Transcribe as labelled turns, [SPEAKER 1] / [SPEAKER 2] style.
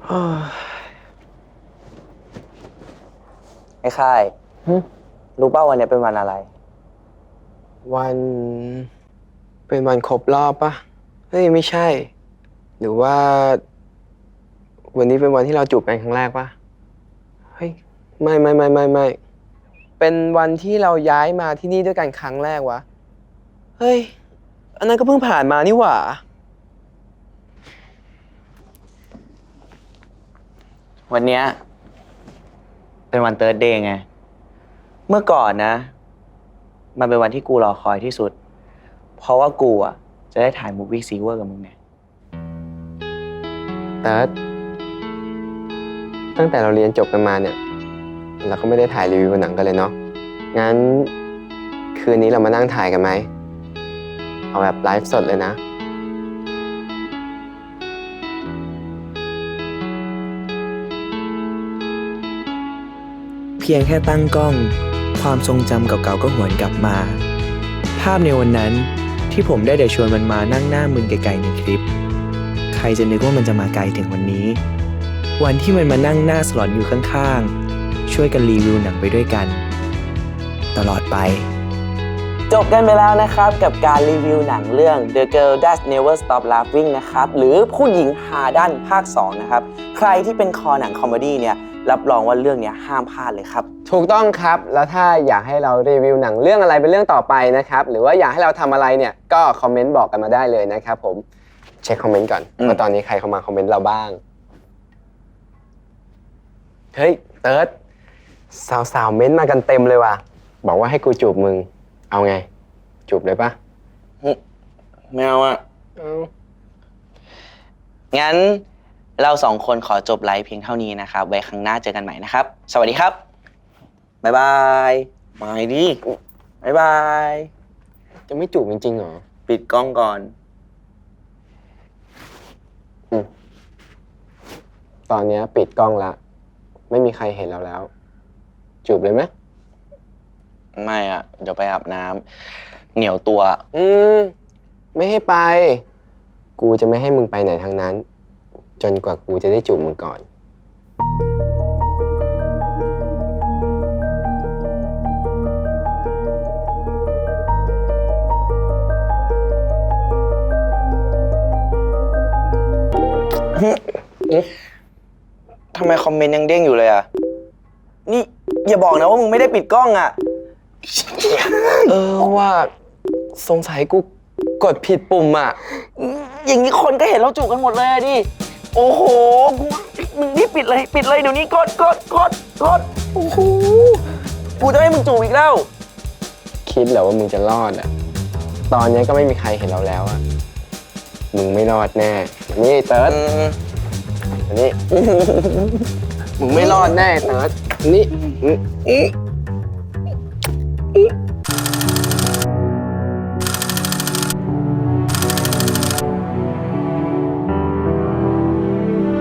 [SPEAKER 1] ไอ้ค่ายรู้ป่าววันนี้เป็นวันอะไร
[SPEAKER 2] วันเป็นวันครบรอบปะเฮ้ยไม่ใช่ หรือว่าวันนี้เป็นวันที่เราจูบกันครั้งแรกปะเฮ้ยไม่เป็นวันที่เราย้ายมาที่นี่ด้วยกันครั้งแรกวะเฮ้ยอันนั้นก็เพิ่งผ่านมานี่หว่า
[SPEAKER 1] วันเนี้ยเป็นวันเติร์ดเดย์ไง เมื่อก่อนนะ มันเป็นวันที่กูรอคอยที่สุด เพราะว่ากูอ่ะจะได้ถ่ายมูฟวี่ซีเวอร์กับมึงไง
[SPEAKER 2] แต่ตั้งแต่เราเรียนจบกันมาเนี่ยเราก็ไม่ได้ถ่ายรีวิวหนังกันเลยเนาะงั้นคืนนี้เรามานั่งถ่ายกันไหมเอาแบบไลฟ์สดเลยนะ
[SPEAKER 3] เพียงแค่ตั้งกล้องความทรงจำเก่าๆก็หวนกลับมา ภาพในวันนั้นที่ผมได้แต่ชวนมันมานั่งหน้ามึนไกลๆในคลิป ใครจะนึกว่ามันจะมาไกลถึงวันนี้ วันที่มันมานั่งหน้าสลอนอยู่ข้างๆช่วยกันรีวิวหนังไปด้วยกัน ตลอดไป
[SPEAKER 1] จบกันไปแล้วนะครับกับการรีวิวหนังเรื่อง The Girl That Never Stop Laughing นะครับหรือผู้หญิงหาด้านภาค 2 นะครับใครที่เป็นคอหนังคอมเมดี้เนี่ยรับรองว่าเรื่องนี้ห้ามพลาดเลยครับ
[SPEAKER 2] ถูกต้องครับแล้วถ้าอยากให้เรารีวิวหนังเรื่องอะไรเป็นเรื่องต่อไปนะครับหรือว่าอยากให้เราทำอะไรเนี่ยก็คอมเมนต์บอกกันมาได้เลยนะครับผมเช็คคอมเมนต์ก่อนว่าตอนนี้ใครเข้ามาคอมเมนต์เราบ้างเฮ้ยเติร์ดสาวๆเม้นต์มากันเต็มเลยว่ะบอกว่าให้กูจูบมึงเอาไงจูบเลยปะ
[SPEAKER 1] ไม่เอาอะ
[SPEAKER 2] เอา
[SPEAKER 1] งั้นเราสองคนขอจบไลฟ์เพียงเท่านี้นะครับ ไว้ครั้งหน้าเจอกันใหม่นะครับ สวัสดีครับ บ๊ายบายมาดิบ๊ายบาย
[SPEAKER 2] จะไม่จูบจริงๆเหรอ
[SPEAKER 1] ปิดกล้องก่อน
[SPEAKER 2] ตอนนี้ปิดกล้องละไม่มีใครเห็นเราแล้วจูบเลยไหม
[SPEAKER 1] ไม่อะเดี๋ยวไปอาบน้ำเหนียวตัว
[SPEAKER 2] ไม่ให้ไป กูจะไม่ให้มึงไปไหนทั้งนั้น จนกว่ากูจะได้จูบมึงก่อน
[SPEAKER 1] ทำไมคอมเมนต์ยังเด้งอยู่เลยอะนี่อย่าบอกนะว่ามึงไม่ได้ปิดกล้องอะ
[SPEAKER 2] ว่าสงสัยกูกดผิดปุ่มอ่ะ
[SPEAKER 1] อย่างนี้คนก็เห็นเราจูบกันหมดเลยอะดิ โอ้โหกูมึงนี่ปิดเลยเดี๋ยวนี้กดโอ้โห กูจะให้มึงจูบอีกแล้ว
[SPEAKER 2] คิดเหรอว่ามึงจะรอดอ่ะ ตอนนี้ก็ไม่มีใครเห็นเราแล้วอ่ะ มึงไม่รอดแน่ นี่เติร์ดนี่ มึงไม่รอดแน่เติร์ดนี่